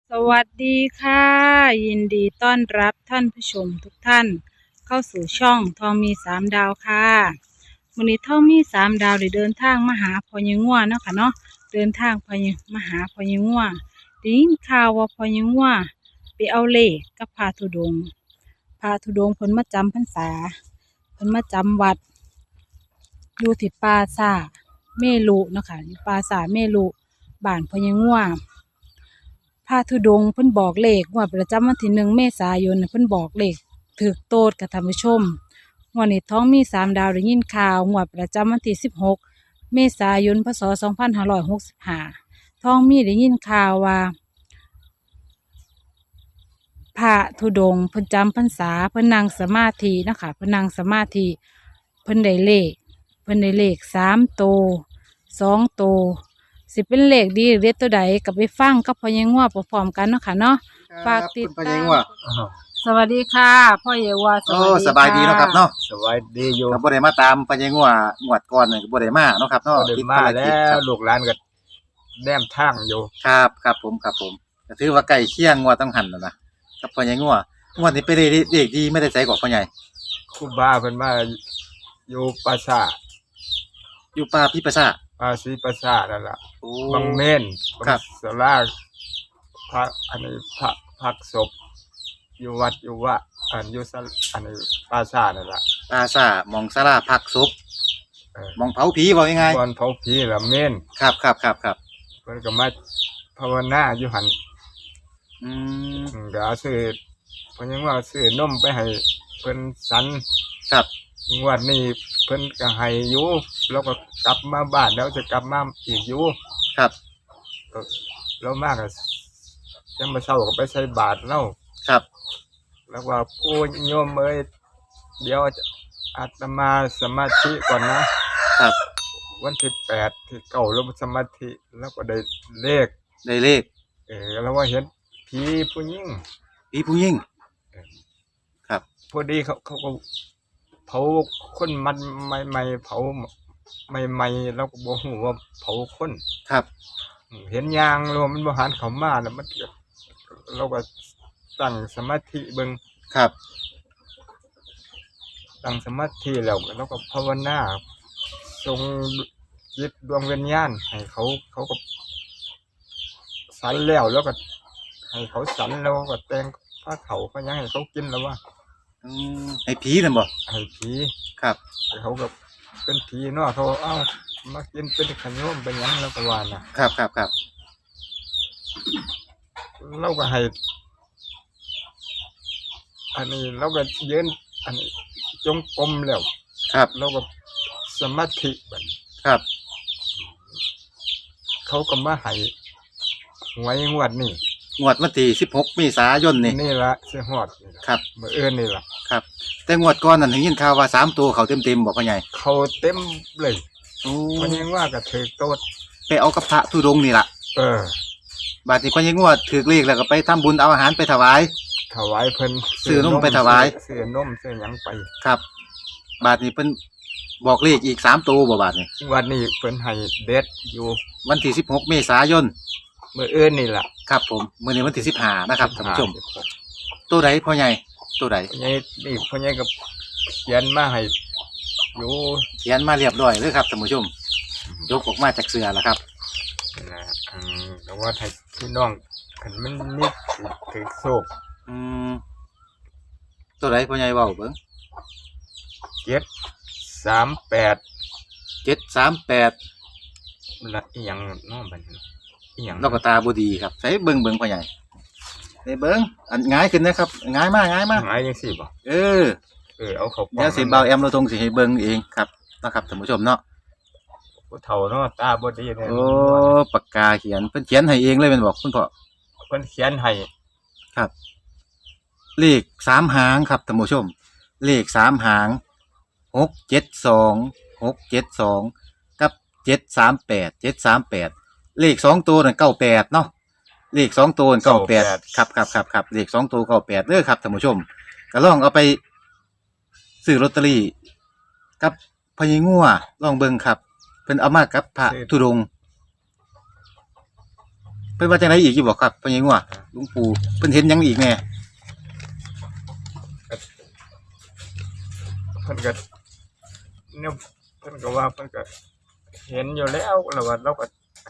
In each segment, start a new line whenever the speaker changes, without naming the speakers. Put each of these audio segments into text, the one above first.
สวัสดีค่ะยินดีต้อนรับท่านผู้ชมทุกท่านเข้าสู่ช่องทองมีสามดาวค่ะวันนี้ทองมีสามดาวได้เดินทางมาหาพ่อยังง่วเนาะค่ะเนาะเดินทางมาหาพ่อยังง่วได้ยินข่าวว่าพ่อยังง่วไปเอาเลขกับพระธุดงค์เพิ่นมาจำพรรษาเพิ่นมาจำวัดอยู่ที่ปราสาทเมรุเนาะค่ะอยู่ปราสาทเมรุบ้านพ่อยังง่ว พระธุดงค์เพิ่นบอกเลขงวดประจำวันที่1 เมษายนน่ะเพิ่นบอกเลขถูกโตดกับท่านผู้ชมงวดนี้ท้องมีสามดาวได้ยินข่าวงวดประจำวันที่16 เมษายนพศ2565ท้องมีได้ยินข่าวว่าพระธุดงค์เพิ่นจำพรรษาเพิ่นนั่งสมาธินะคะเพิ่นนั่งสมาธิเพิ่นได้เลข3 โตว2 โตวสิเป็นเลขดีหรือเลขตัวใดกับไปฟังกับพ่อยังว่าพร้อมๆกันเนาะค่ะเนาะฝากติดตามสวัสดีค่ะพ่อเยาว่า
สบายดีเนาะครับเนาะ
สวัสดีอยู่
ก็บ่ได้มาตามปัญญางัวงวดก่อนนี่ก็บ่ได้มาเนาะครับเนาะ
ได้มาแล้วลูกหลานก็แนมทางอยู่
ครับผมก็ถือว่าใกล้เคียงงวดต้องหันแล้วนะกับปัญญางัวงวดนี้ไปได้เลขดีไม่ได้ใส่กรอกพ่อใหญ่
ครูบาเพิ่นมาอยู่ปราสาท
อยู่ป่าพิปราสาท
ป่าศรีปราสาทนั่นล่ะ
โอ้
บางเม่น
ครับ
ศาลาพระอันนี้พระพักศพอยู่วัดอยู่ว่าอยู่อันนี้ปราสาทนั่นล่ะ
ปราสาทหม่องศาลาพักศพหม่องเผาผีว่ายังไง
บ่อนเผาผีล่ะเม่น
ครับ
เพิ่นก็มาภาวนาอยู่หั่น
อืม
ก็เอาซื้อเพิ่นยังว่าซื้อนมไปให้เพิ่นสัน
ครับ
งวดนี้เพิ่นก็ให้อยู่แล้วก็กลับมาบ้านแล้วจะกลับมาอีกอยู่
ครับ
แล้วมากก็ยังมาเช้าก็ไปใส่บาตรแล้ว
ครับ
แล้วว่าผู้โยมเอ้ยเดี๋ยวอาตมาสมาธิก่อนนะครับวันที่8ที่9ลงสมาธิแล้วก็ได้เลขแล้วว่าเห็นผีผู้หญิง
ครับ
พอดีเขาก็เผาคนมันใหม่ๆเผาใหม่ๆแล้วก็บ่ฮู้ว่าเผาคน
ครับ
เห็นยางแล้วมันบ่หันเข้ามาแล้วมันเราก็ตั้งสมาธิเบิ่ง
ครับ
ตั้งสมาธิแล้วเราก็ภาวนาส่งจิตดวงวิญญาณให้เขาก็สันแล้วก็ให้เขาสันแล้วก็แต่งผ้าเขาก็ยังให้เขากินแล้วว่า
ให้ผีนั่นบ่
ให้ผี
ครับ
เขาก็เป็นผีเนาะเขามากินเป็นขนมเป็นหยังแล้วก็ว่า
นะครับ
เราก็ให้อันนี้เราก็ยืนอันนี้จงกรมแล้ว
ครับ
เราก็สมาธิบัด
ครับ
เขาก็มาให้หวยงวดนี่
งวดวันที่16 เมษายน
นี่ละสิฮอด
ครับ
มื้ออื่นนี่ล่ะ
ครับแต่งวดก่อนนั่นได้ยินข่าวว่า3 ตัวเขาเต็มๆบ่พ่อใหญ่
เขาเต็มเลยพ่อใหญ่ว่าก็ถูกโตด
ไปเอากับพระธุดงค์นี่ล่ะบาดนี้พ่อใหญ่งวดถูกเลขแล้วก็ไปทำบุญเอาอาหารไปถวาย
เพิ่น
ซื้อนมไปถวาย
ซื้อนมซื้อหยังไป
ครับบาดนี้เพิ่นบอกเลขอีก3 ตัวบ่บาดนี้
วันนี้เพิ่นให้เด็ดอยู่
วันที่16 เมษายน
มื้ออื่นนี่ล่ะ
ครับผมมื้อนี้วันที่15นะครับท่านผู้ชมตัวใดพ่อใหญ่ตัวใด
พ่อใหญ่นี่พ่อใหญ่ก็เขียนมาให้อยู่
เขียนมาเรียบร้อยเลยครับท่านผู้ชมยกออกมาจากเสื้อแล้วครับ
แต่ว่าให้พี่น้องคันมันมีถือโชค
ตัวใดพ่อใหญ่เว้าเบิ่ง
738ละอีหยังน้อบัดนี้อีหยัง
นกตาบ่ดีครับใส่เบิ่งพ่อใหญ่ได้เบิ่งอันง่ายขึ้นนะครับง่ายมาก
ง่ายจังซี่บ่เอาเข้า
เดี๋ยวสิเบาแอมเราทงสิให้เบิ่งเองครับนะครับท่านผู้ชมเนาะ
ผู้เฒ่าเนาะตาบ่ดี
โอ้ปากกาเขียนเพิ่นเขียนให้เองเลยแม่นบ่คุณพ่อ
เพิ่นเขียนให้
ครับเลข3 หางครับท่านผู้ชมเลข3 หาง672กับ738เลข2 ตัวนั่น98เนาะเลข2 ตัวนั่น98ครับเลข2 ตัว98เด้อครับท่านผู้ชมก็ลองเอาไปซื้อลอตเตอรี่กับพญางัวลองเบิ่งครับเพิ่นเอามากับพระธุดงค์พิ่นว่าจังไดอีกอยู่บ่ครับพ่อใหญ่งัวหลวงปู่เพิ่นเห็นหยังอีกแน่
เพิ่นก็เนี่ยเพิ่นก็ว่าเพิ่นก็เห็นอยู่แล้วแล้วว่าเราก็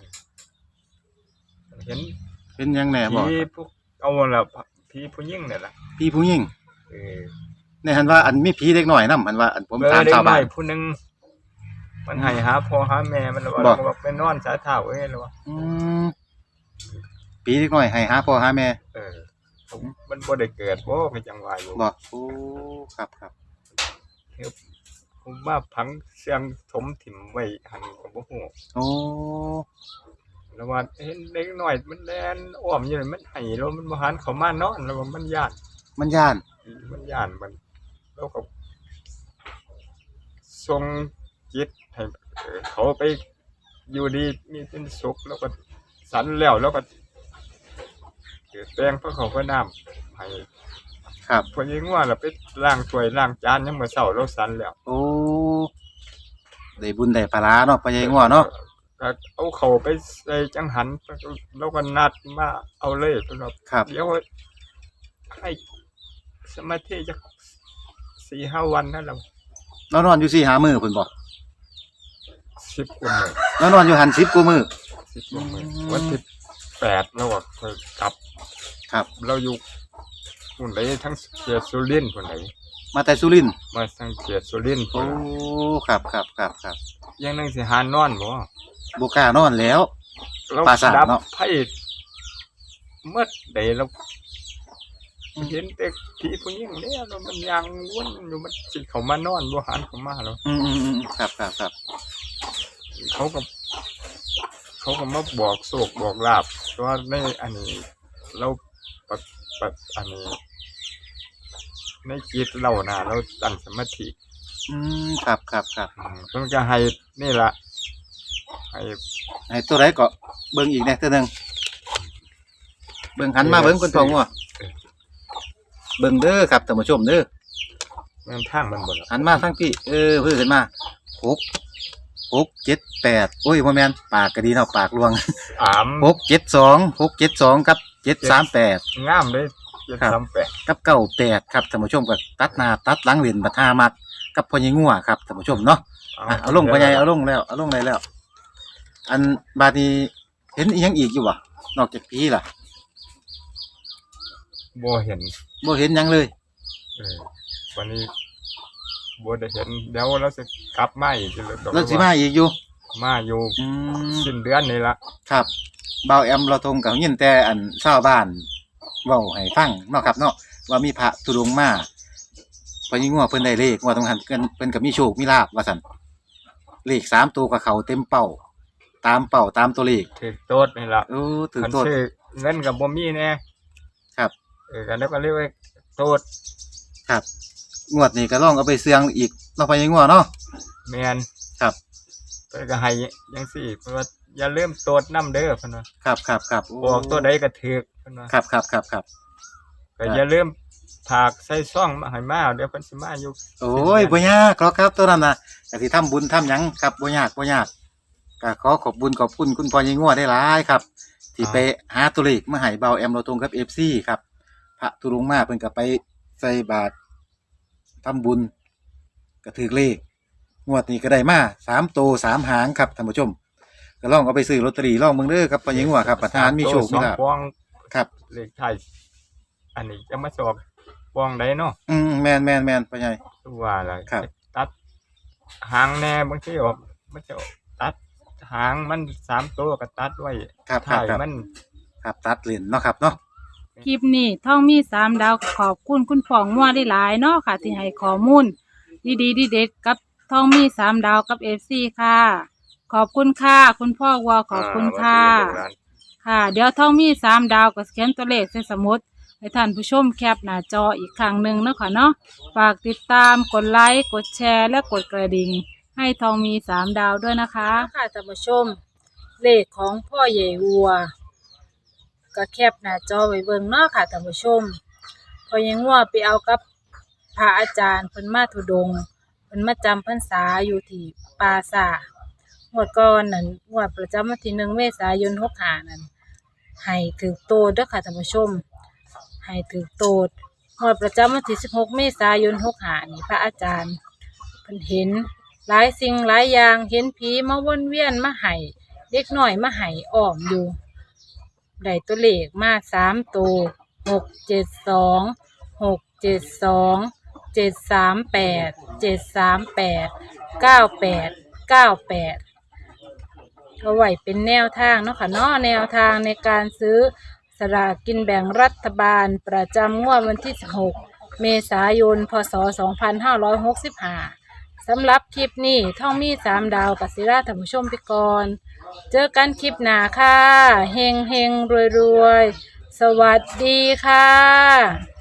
เห็น
เป็นหยังแน่บ่
ผีพวกเอาล่ะผีผู้หญิงนี่ล่ะ
พี่ผู้หญิง
เออ
ในหันว่าอันมีผีเด็กน้อยนำหันว่าอันผมถาม
เด็ก
ชาว
น้
บ้า
อน ยผู้หนึงมันให้หาพ่อหาแม่มันแล้วว่า
บ่
เราก็ไปนอนสายเท้าเอ้ยแล้วว่า
อืมผีเด็กน้อยให้หาพ่อหาแม่
เออมันบ่ได้เกิดบ่ก็จังว่าอยู่
บ่โอ้ครับครับ
ผมว่าผังเสียงถมถิ่มไว้หันก็บ่ฮู้
โอ้
แล้วว่าเห็นเด็กน้อยมันแล่นอ้อมอยู่นั่นมันให้แล้วมันบ่หันเข้ามานอนแล้วว่ามันย้าน
มันย่าน
มันย้านมันแล้วก็ส่งจิตให้เขาไปอยู่ดีมีเป็นสุขแล้วก็สันแล้วก็แปลงพระเขาพระน้ำให้
ครับ
พอยิงว่าเราไปล้างถ้วยล้างจานยังมื้อเช้าเราสันแล้ว
โอ้ได้บุญได้ปลาร้าเนาะพ่อใหญ่งัวเนาะ
ก็เอาเขาไปใส่จังหันแล้วก็นัดมาเอาเลยเพิ่นว่า
ครับ
เดี๋ยวให้สมาธิจัก 4-5 วันนั่นแหละ
นอนอยู่4-5มื้อเพิ่นบ่
10 กว่ามื้อ
นอนอยู่หัน10กว่ามื้อ
10 กว่ามื้อวันที่8แล้วก็ค่อยกลับ
ครับ
เราอยู่พุ่นใดทั้งเขตสุรินทร์พุ่นใด
มาแต่สุรินทร์
มาทั้งเขตสุรินทร์
โอ้ครับครับครับครับ
ยังนึงสิหานอนบ่
บ่กล้านอนแล้ว
เรา
ปราสาท
ดับ
เนาะ
ไผเมื่อใดเราเห็นแต่ผีผู้หญิงเนี่ยแล้วมันยังวนอยู่มันสิเข้ามานอนบ่หันเข้ามาแล้ว
ครับครับครับ
เขาก็มาบอกโศกบอกลาบว่าในอันนี้เราปะอันนี้ในจิตเรานะเราตั้งสมาธิ
ครับครับครับ
เพิ่นก็ให้นี่ล่ะให้
ให้ตัวใดก็เบิ่งอีกแหน่ตัวหนึงเบิ่งหันมาเบิ่งคนทองว่ะเบิ่งเด้อครับท่านผู้ชมเด้อ
เงินทางมันบ่ล่ะ
หันมาทั้งพี่เพิ่นขึ้นมา6 7 8โอ้ยบ่แม่นปากก็ดีเนาะปากลวง
อาม
672กับ738
งามเลย
ครับ
738
กับ98ครับท่านผู้ชมก็ตัดหน้าตัดหลังเล่นบัดหามักกับพ่อใหญ่งัวครับท่านผู้ชมเนาะเอาลงพ่อใหญ่เอาลงแล้วเอาลงได้แล้ว อันบาดนี้เห็นอีหยังอีกอยู่บ่นอกจากผีล่ะ
บ่เห็น
บ่เห็นหยังเลย
วันนี้บ่ได้เห็นเดี๋ยวเราสิกลับมาอีก
แล้วสิมาอีกอยู่
มาอยู่
อืม
สิ้นเดือนนี่ล่ะ
ครับเบาแอมเราทงกับยินแต่อันชาวบ้านเว้าให้ฟังเนาะครับเนาะว่ามีพระธุดงค์มาพอยิงงัวเพิ่นได้เลขว่าตรงหันเพิ่นก็มีโชคมีลาภว่าซั่นเลข3ตัวกับเขาเต็มเป้าตามตัวเลข
ถึกโตดนี่ล่ะ
โอ้ถึง
คัน
โทษ
ซื้อเงินก็บ่มีแน่
ครับ
กันแล้วก็เรียกว่าโตด
ครับงวดนี้ก็ลองเอาไปเสี่ยงอีกเนาะพอยิงงัวเนาะ
แม่น
ครับ
เพิ่นก็ให้จังซี่เพิ่นว่าอย่าลืมโตดนำเด้อเพิ่นว่า
ครับโ
บอกตัวใดก็ถูกเพิ่นว่า
ครับ
ก็อย่าลืมฝากใส่ซ่องมาให้มาเดี๋ยวเพิ่นสิมาอยู่
โอ้ยบ่ยากหรอกครับตัวนั้นน่ะก็สิทำบุญทำหยังครับบ่ยากก็ขอขอบคุณคุณพ่อยิงงัวได้หลายครับ ที่ไปหาตัวเลขมาให้เบาแอมเราตรงกับ FC ครับพระธุดงค์มาเพิ่นก็ไปใส่บาตรทำบุญก็ถือเลขงวดนี้ก็ได้มา3โตว3หางครับท่านผู้ชมก็ลองเอาไปซื้อลอตเตอรี่ลองเบิ่งเด้อครับพ่อยิงงัวครับประธานมีโชคมีลาภ
สองปอง
ครับ
เลขไทยอันนี้จะมาสอบปองใดเนาะ
แม่นพ่อใหญ่
ว่าล่ะ
ครับ
ตัดหางแน่บางทีออกมันจะตัดหางมัน3ตัวก็ตัดไว้
ครับ
ท้าย
ครับ
มัน
ครับตัดเลนเนาะครับเนาะ
คลิปนี้ท่องมี3 ดาวขอบคุณคุณพ่องัวได้หลายเนาะค่ะ ที่ให้ข้อมูลดีเด็ดๆกับท่องมี3 ดาวกับ FC ค่ะ ขอบคุณค่ะ คุณพ่อวัวขอบคุณค่ะ ค่ะ เดี๋ยวท่องมี3 ดาวก็เขียนตัวเลขใส่สมุดให้ท่านผู้ชมแคปหน้าจออีกครั้งหนึ่งเนาะค่ะเนาะฝากติดตามกดไลค์กดแชร์และกดกระดิ่งให้ทองมี3 ดาวด้วยนะคะค่ะท่านผู้ชมเลขของพ่อใหญ่วัวก็แคปหน้าจอไว้เบิ่งเนาะค่ะท่านผู้ชมพ่อใหญ่วัวไปเอากับพระอาจารย์เพิ่นมาธุดงค์เพิ่นมาจำพรรษาอยู่ที่ปราสาทงวดก่อนนั่นงวดประจำวันที่1 เมษายน65นั่นให้ถือโตเด้อค่ะท่านผู้ชมให้ถือโตดงวดประจำวันที่16 เมษายน65นี่พระอาจารย์เพิ่นเห็นหลายสิ่งหลายอย่างเห็นผีมาวนเวียนมาให้เด็กน้อยมาให้อ้อมอยู่ได้ตัวเลขมา3ตัว672 672 738 738 98 เอาไว้เป็นแนวทางเนาะค่ะเนาะแนวทางในการซื้อสลากกินแบ่งรัฐบาลประจำงวดวันที่16 เมษายน พ.ศ. 2565สำหรับคลิปนี้ท่องมี3 ดาวกัสิราท่านผู้ชมไปก่อนเจอกันคลิปหน้าค่ะเฮงเฮงรวยรวยสวัสดีค่ะ